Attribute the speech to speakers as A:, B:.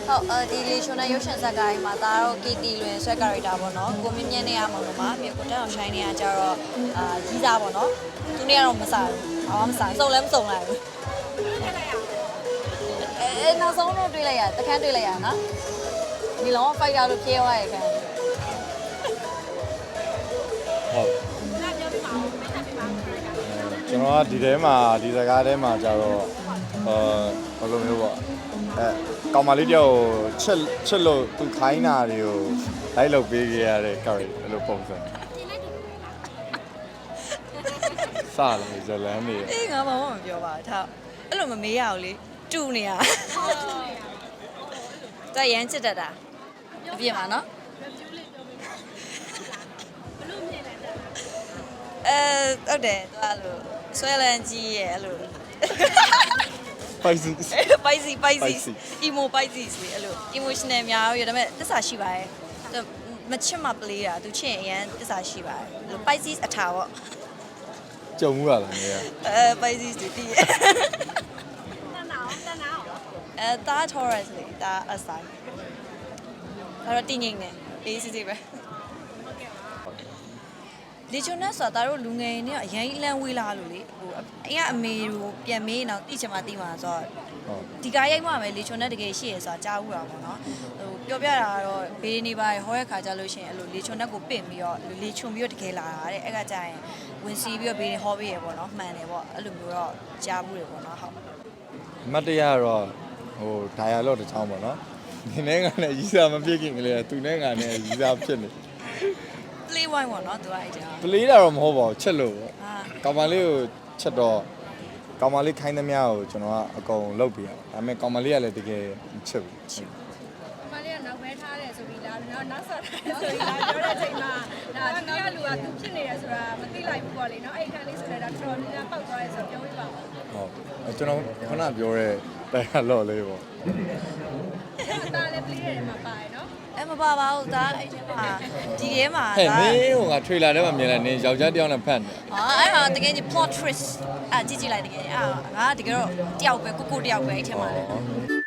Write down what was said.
A: ဟုတ်ဒီလေရှင်နဲ့ရုပ်ရှင်ဇာတ်ကားမှာဒါတော့ KT လွင်ဆွဲ character ပေါ့နော်ကိုမြင့်မြင့်နဲ့ရမှာလို့ပါပြီးကိုတက်အောင် shine နေရကြတော့ကြီးစားပေါ့နော်သူနဲ့ကတော့မစားဘူးဘာမှမစားစုံလည်းမစုံလိုက်ဘူးနောက်ဆုံးတော့တွေ့လိုက်ရတခန်းတွေ့လိုက်ရနော်ဒီလော fighter လို့ပြေးသွားရခံ
B: ဟုတ်ကျွန်တော်ကဒီထဲမှာဒီစကားထဲမှာကြတော့ဘယ်လိုမျိုးပေါ့ကောင်မလေးတယောက်ချက်လို့သူခိုင်းတာတွေကိုလိုက်လုပ်ပေးခဲ့ရတဲ့ character အဲ့လိုပုံစံစလာဇလန်နေ
A: အေးငါဘာမှမပြောပါဘူးထားအဲ့လိုမမေးရအောင်လေတူနေရတရမ်းချစ်တတ်တာအပြည့်ပါနော်ဟုတ်တယ်သူအဲ့လိုဆွဲလန်းကြီးရဲ့အဲ့လိုspicy emo spicy လေအဲ့လို emotional များရောဒါပေမဲ့တစ္ဆာရှိပါရဲ့မချစ်မပလေးတာသူချစ်ရင်အရန်တစ္ဆာရှိပါတယ်အဲ့လို spicy အထာပေါ့
B: ကြုံမှုရလားနေရ
A: spicy တူတည်ရဲ့တာ Taurus လေတာအဆိုင်အဲ့တော့တည်ငိမ့်နေအေးစစ်စစ်ပဲလေချုံနဲ့ဆိုတာတို့လူငယ်နေအရင်လမ်းဝေးလာလို့လေဟိုအရင်အမေကိုပြန်မေးတော့တိချင်မှတိမှာဆိုတော့ဒီကားရိုက်မှမယ်လေချုံနဲ့တကယ်ရှိရဆိုတာကြားဦးတာပေါ့နော်ဟိုပြောပြတာကတော့ဘေးနေပါဟောရဲ့ခါကြလို့ရှိရင်အဲ့လိုလေချုံနဲ့ကိုပင့်ပြီးတော့လေချုံပြီးတော့တကယ်လာတာတဲ့အဲ့ကကြာရင်ဝင်စီပြီးတော့ဘေးနေဟောပေးရပေါ့နော်မှန်တယ်ပေါ့အဲ့လိုမျိုးတော့ကြားဘူးတယ်ပေါ့နော်ဟုတ်
B: မတ်တရားတော့ဟို dialogue တစ်ချောင်းပေါ့နော်ဒီနေ့ကလည်းရီးစားမဖြစ်ခင်ကလေးသူနဲ့ငါနဲ့ရီးစားဖြစ်နေ
A: play wine ပေါ့နော်သူကအဲ့ကြာ
B: play တာတော့မဟုတ်ပါဘူးချက်လို့ပေါ့ကောင်မလေးကိုချက်တော့ကောင်မလေးခိုင်းသမျှကိုကျွန်တော်ကအကုန်လုပ်ပြရဒါပေမဲ့ကောင်မလေးကလည်းတကယ်ချက်ဘူး
C: ကောင်မလေးကနောက်ပဲထားတယ်ဆိုပြီးလားနောက်ဆော့ထားတယ်ဆိုပြီးလားပြောတဲ့အချိန်မှာဒါဒီကလူကသူဖြစ်နေတယ်ဆိုတာမသိလိုက်ဘူးပေါ့လေနော်အဲ့ခန်းလေးဆိုတော့ဒါတော်တော်များပေါက်သွားတယ်ဆိုတော့ပြောပြပါဦး
B: ဟုတ်ကျွန်တော်ခုနပြောတဲ့တရားလော့လေးပေါ့
C: ဒါလည်း play ရတယ်မှာပါတယ်နော်
A: မပါပါဘူးဒါအဲ့ဒီမှာဒီထဲမှာ
B: ဟဲ့မင်းဟိုက trailer ထဲမှာမြင်လိုက်နေယောက်ျားတစ်ယောက်နဲ့ဖတ်နေ
A: အဲ့ဟာတကယ်ကြီး plot twist ကြည့်လိုက်တကယ်ငါတကယ်တော့တယောက်ပဲကိုတယောက်ပဲအဲ့ထဲမှာလေ